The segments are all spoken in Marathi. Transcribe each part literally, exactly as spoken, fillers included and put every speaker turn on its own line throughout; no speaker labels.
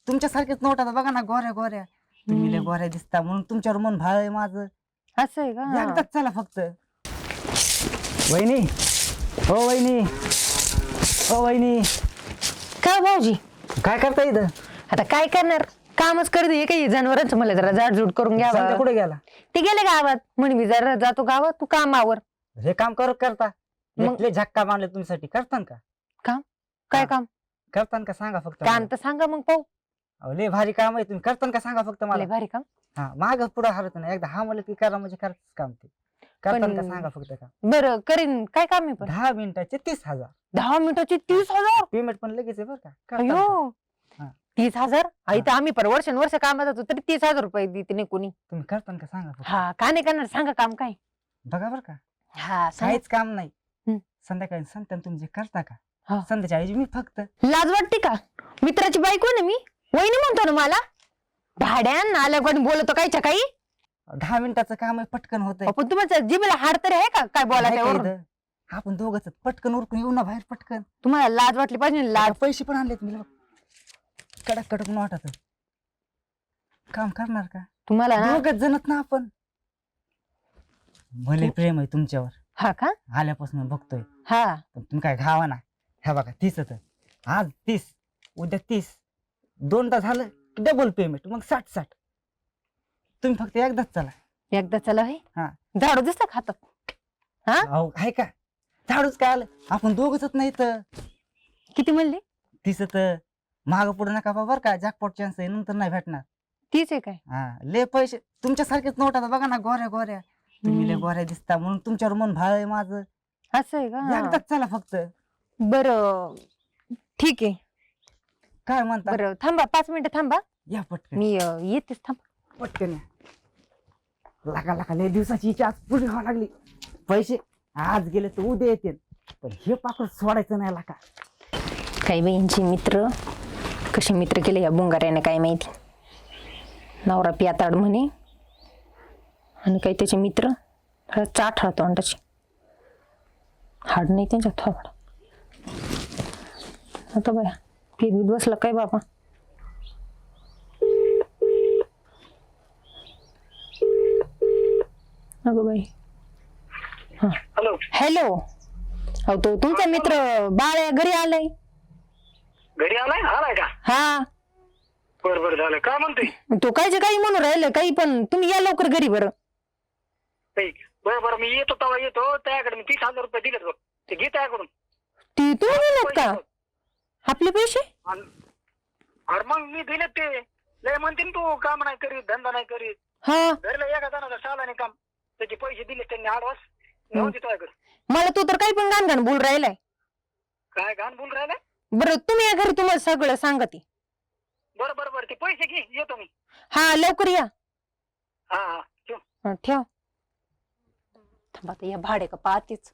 तुमच्यासारखेच नोट आता बघा ना, गोऱ्या गोऱ्या तुम्ही लय गोऱ्या दिसता म्हणून तुमच्यावर मन भाळ आहे माझं.
असं आहे का?
एकदाच चला फक्त. वहिनी, हो वहिनी, हो वहिनी.
का भाऊजी
काय करता इथं?
आता काय करणार, कामच करते काही जनावरांचं. मला जरा जाडजूड करून
संध्या
घ्यावं.
कुठे गेला?
ते गेले गावात, म्हणे मी जरा जातो गावात, तू कामावर.
हे काम करत करता
मग-
लय झक्का मारले तुमच्यासाठी. करतान का?
काम काय
हा.
काम?
करतान का सांगा फक्त
काम
मला.
तर सांगा मग पाहू.
अहो, लय भारी काम आहे. तुम्ही करतान का सांगा फक्त मला.
लय भारी काम.
हा माग पुढे हरत नाही. एकदा हा म्हणलं की करा म्हणजे करत काम ते. करतान का
पण-
सांगा फक्त का.
बरं करीन. काय काम आहे पण?
दहा मिनिटाचे तीस हजार
दहा मिनिटाचे तीस हजार
पेमेंट पण लगेच आहे बरं का. करतान का?
अयो
हा.
तीस हजार आई तर आम्ही पर वर्षानुवर्ष कामात होतो तरी तीस हजार रुपये देते नाही कोणी.
तुम्ही करतान का सांगा फक्त.
हा का नाही करणार, सांगा काम काय.
बघा बरं का,
हा सांगा.
काहीच काम नाही.
हम्म.
संध्याकाळी संध्या तुम्ही जे करता का,
हा.
संध्याच्या ऐवजी मी फक्त
लाज वाटते का? मित्राची बायको ना मी, वहिनी म्हणतो ना मला. भाड्यान आल्या कोणी बोलतो कायच्या काही.
दहा मिनिटाचं काम आहे, पटकन होतंय.
पण तुमचं जिभेला हाड तरी आहे का काय
आहे का
बोलायचं?
इथं? आपण दोघच पटकन उरकून येऊ ना बाहेर पटकन.
तुम्हाला लाज वाटली पाहिजे ना, लाज.
आता पैसे पण आणलेत मी. कडक कडक वाटत काम करणार का?
तुम्हाला ना.
दोघच जणत ना आपण. भले प्रेम आहे तुमच्यावर
हा का?
आल्यापासून बघतोय.
हा
पण तुम्ही काय घावा ना. ह्या बघा तीस होत, आज तीस, उद्या तीस, दोनदा झालं डबल पेमेंट, मग साठ साठ. तुम्ही फक्त एकदाच चला.
एकदा चला हे.
हा.
झाडू दिसतं का हातात? हा
अहो आहे का, झाडूच काय आलं, आपण दोघच नाही तर.
किती म्हणले?
तीस माग पुढे नका बा बर का, जॅकपॉट चान्स आहे, नंतर नाही भेटणार.
तीच आहे काय?
हा लय पैसे तुमच्यासारखेच नोट आता बघा ना, गोऱ्या गोऱ्या तुम्ही लय
हम्म.
गोऱ्या दिसता म्हणून तुमच्यावर मन भाळ आहे माझं.
असं आहे का?
एकदाच चला फक्त.
बरं ठीक आहे.
काय म्हणता?
बरं थांबा, पाच मिनिटं थांबा.
या पटकन
मी अं, येतेच. थांबा.
पटकन या. लागा लागा लय दिवसाची इच्छा आज पुरी व्हावं लागली. पैसे आज गेले तर उद्या येतील, पण हे पाकड सोडायचं नाही लागा.
काही बाईंचे मित्र कसे मित्र केले या बुंगाऱ्याने काय माहिती. नवरा पियाताड म्हणे आणि काही त्याचे मित्र चाट राहतो अंडाची. हाड नाही त्यांच्या थोबड. आता बाया पीत बीत बसला काय बाबा. अगं बाई. हा
हॅलो.
हॅलो. अहो तो तुमचा मित्र बाळ घरी आलाय.
घरी आलाय आलाय का?
हा
बर बर झालं. काय म्हणतोय?
तो कायचे काही म्हणून राहिलं काही, पण तुम्ही या लवकर घरी. बरं
बरं बरं मी येतो तेव्हा येतो. त्याकडे मी तीस हजार रुपये दिलेत बघ, ते घे त्याकडून.
ती तुम्ही दिलेत का आपले पैसे?
आणि- अरे मग मी दिलेत ते. लय म्हणते तू काम नाही करीत, धंदा नाही करीत.
हा
घरला एका जणाला सालाने काम, त्याचे पैसे दिले त्यांनी आडवास. नव्हते तुझ्याकडे.
मला तू तर काही पण घाण घाण बोल राहिलाय.
काय घाण बोल राहिलाय?
बरं तुम्ही या घरी, तुम्हाला सगळं सांगते.
बरं बरं बरं ते पैसे घे, येतो मी.
हा लवकर या.
हा हा ठेव.
हा, ठेव. थांबा आता या भाडे का पाहतेच.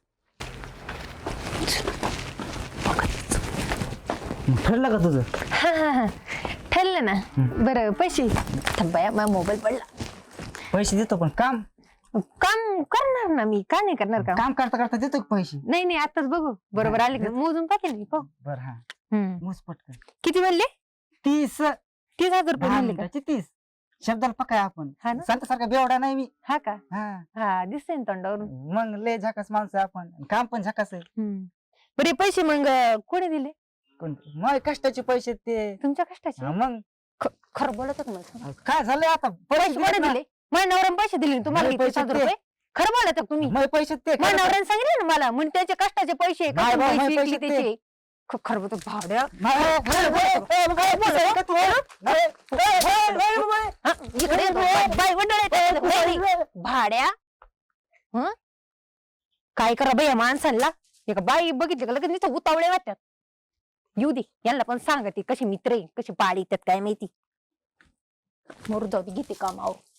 ठरलं का तुझं?
हा हा हा ठरलं ना. बरं पैसे थांबा, या माझा मोबाईल पडला.
पैसे देतो पण काम
काम करणार ना मी, का नाही करणार काम?
काम करता करता देतो का पैसे?
नाही नाही आताच बघू. बरोबर आले का मोजून पाहते मी. पाहू.
बर हा
हम्म.
मोज पटकन.
किती म्हणले?
तीस
तीस हजार रुपये
दहा
म्हणले का?
मिनिटाचे तीस. शब्दाला पकाय आपण.
हा ना?
सांगता सारखा बेवडा नाही मी.
हा का?
हा
हा दिसतंय ना तोंडावरून.
मग लय झकास माणसं आहे आपण, काम पण झकास आहे.
हम्म. बरे पैसे मग अं, कोणी दिले?
कोणते मग कष्टाचे पैसे ते.
तुमच्या कष्टाचे?
हा, मग
ख- खरं बोलत होत मला.
काय झालंय आता?
पैसे
पैसे
कोणी दिले? माझ्या नवऱ्याने पैसे दिले ना तुम्हाला
नाही,
तीस
पैसे
हजार
ते.
रुपये? खरं बोलत आहे तुम्ही?
मग पैसे ते
माझ्या नवऱ्याने सांगितले ना मला, म्हणजे त्याचे कष्टाचे पैसे
नाही
कष्टाचे
बा,
पैसे
नाही,
विकले
पैसे
त्याचे. ख- खरं बोलतो भाड्या.
नाही, नाही, नाही, नाही, नाही, नाही, नाही, नाही,
हा, इकडे बाई- बाई मंडळ आहे त्याच्यात. बाई- बाई. भाड्या. हं? काय करा बाई या माणसांना. एका बाई बघितली का लगेच नुसतं उतावळे वाटतात. येऊ दे यांना पण सांगा ते कसे मित्र आहे, कसे पाडी येतात काय माहिती. मरू जाऊ दे, घेते कामावर.